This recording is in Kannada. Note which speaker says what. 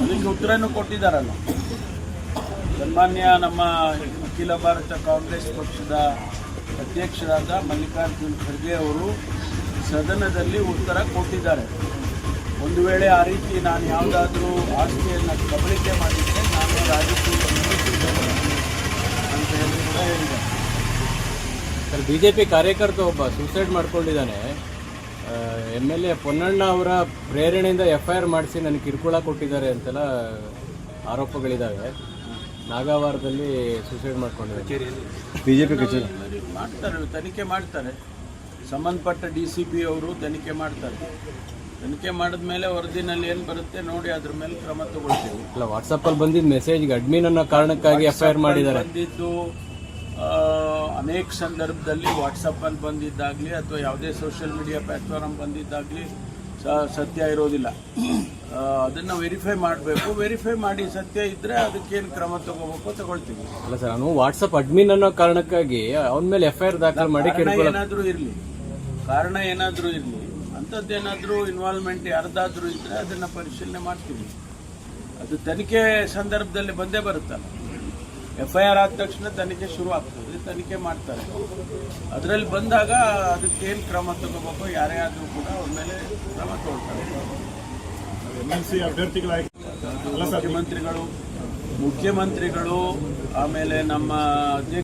Speaker 1: ಅದಕ್ಕೆ ಉತ್ತರನೂ ಕೊಟ್ಟಿದ್ದಾರಲ್ಲ. ಸನ್ಮಾನ್ಯ ನಮ್ಮ ಅಖಿಲ ಭಾರತ ಕಾಂಗ್ರೆಸ್ ಪಕ್ಷದ ಅಧ್ಯಕ್ಷರಾದ ಮಲ್ಲಿಕಾರ್ಜುನ್ ಖರ್ಗೆ ಅವರು ಸದನದಲ್ಲಿ ಉತ್ತರ ಕೊಟ್ಟಿದ್ದಾರೆ. ಒಂದು ವೇಳೆ ಆ ರೀತಿ ನಾನು ಯಾವುದಾದ್ರೂ ಆಸ್ತಿಯನ್ನು ಕಬಳಿಕೆ ಮಾಡಿದ್ದರೆ ನಾನು ರಾಜಕೀಯ ಅಂತ ಹೇಳಿ ಕೂಡ ಹೇಳಿದ್ದಾರೆ.
Speaker 2: ಸರ್, ಬಿಜೆಪಿ ಕಾರ್ಯಕರ್ತ ಒಬ್ಬ ಸೂಸೈಡ್ ಮಾಡ್ಕೊಂಡಿದ್ದಾನೆ. MLA ಪೊನ್ನಣ್ಣ ಅವರ ಪ್ರೇರಣೆಯಿಂದ FIR ಮಾಡಿಸಿ ನನಗೆ ಕಿರುಕುಳ ಕೊಟ್ಟಿದ್ದಾರೆ ಅಂತೆಲ್ಲ ಆರೋಪಗಳಿದ್ದಾವೆ. ನಾಗಾವಾರದಲ್ಲಿ ಸೂಸೈಡ್ ಮಾಡ್ಕೊಂಡಿದ್ದಾರೆ.
Speaker 3: ಬಿಜೆಪಿ ಕಚೇರಿ
Speaker 1: ಮಾಡ್ತಾರೆ, ತನಿಖೆ ಮಾಡ್ತಾರೆ. ಸಂಬಂಧಪಟ್ಟ DCP ಅವರು ತನಿಖೆ ಮಾಡ್ತಾರೆ. ತನಿಖೆ ಮಾಡಿದ ಮೇಲೆ ವರದಿನಲ್ಲಿ ಏನು ಬರುತ್ತೆ ನೋಡಿ, ಅದ್ರ ಮೇಲೆ ಕ್ರಮ ತಗೊಳ್ತೀವಿ.
Speaker 2: ಅಲ್ಲ, ವಾಟ್ಸಪ್ಪಲ್ಲಿ ಬಂದಿದ್ದ ಮೆಸೇಜ್ಗೆ ಅಡ್ಮಿನ್ ಅನ್ನೋ ಕಾರಣಕ್ಕಾಗಿ FIR ಮಾಡಿದ್ದಾರೆ.
Speaker 1: ಬಂದಿದ್ದು ಅನೇಕ ಸಂದರ್ಭದಲ್ಲಿ ವಾಟ್ಸಪ್ಪಲ್ಲಿ ಬಂದಿದ್ದಾಗಲಿ ಅಥವಾ ಯಾವುದೇ ಸೋಷಿಯಲ್ ಮೀಡಿಯಾ ಪ್ಲಾಟ್ಫಾರ್ಮ್ ಬಂದಿದ್ದಾಗಲಿ ಸತ್ಯ ಇರೋದಿಲ್ಲ. ಅದನ್ನು ವೆರಿಫೈ ಮಾಡಬೇಕು. ವೆರಿಫೈ ಮಾಡಿ ಸತ್ಯ ಇದ್ದರೆ ಅದಕ್ಕೇನು ಕ್ರಮ ತಗೋಬೇಕು ತಗೊಳ್ತೀವಿ.
Speaker 2: ಅಲ್ಲ ಸರ್, ನಾನು ವಾಟ್ಸಪ್ ಅಡ್ಮಿನ್ ಅನ್ನೋ ಕಾರಣಕ್ಕಾಗಿ ಅವನ ಮೇಲೆ FIR ದಾಖಲು ಮಾಡಿ
Speaker 1: ಕಾರಣ ಏನಾದರೂ ಇರಲಿ ಅಂಥದ್ದೇನಾದರೂ ಇನ್ವಾಲ್ವ್ಮೆಂಟ್ ಯಾರ್ದಾದ್ರೂ ಇದ್ದರೆ ಅದನ್ನು ಪರಿಶೀಲನೆ ಮಾಡ್ತೀವಿ. ಅದು ತನಿಖೆ ಸಂದರ್ಭದಲ್ಲಿ ಬಂದೇ ಬರುತ್ತಲ್ಲ. FIR ಆದ ತಕ್ಷಣ ತನಿಖೆ ಶುರು ಆಗ್ತದೆ, ತನಿಖೆ ಮಾಡ್ತಾರೆ. ಅದರಲ್ಲಿ ಬಂದಾಗ ಅದಕ್ಕೇನು ಕ್ರಮ ತಗೋಬೇಕು, ಯಾರೇ ಆದರೂ ಕೂಡ ಅವ್ರ ಮೇಲೆ ಕ್ರಮ ತಗೊಳ್ತಾರೆ. ಮುಖ್ಯಮಂತ್ರಿಗಳು ಆಮೇಲೆ ನಮ್ಮ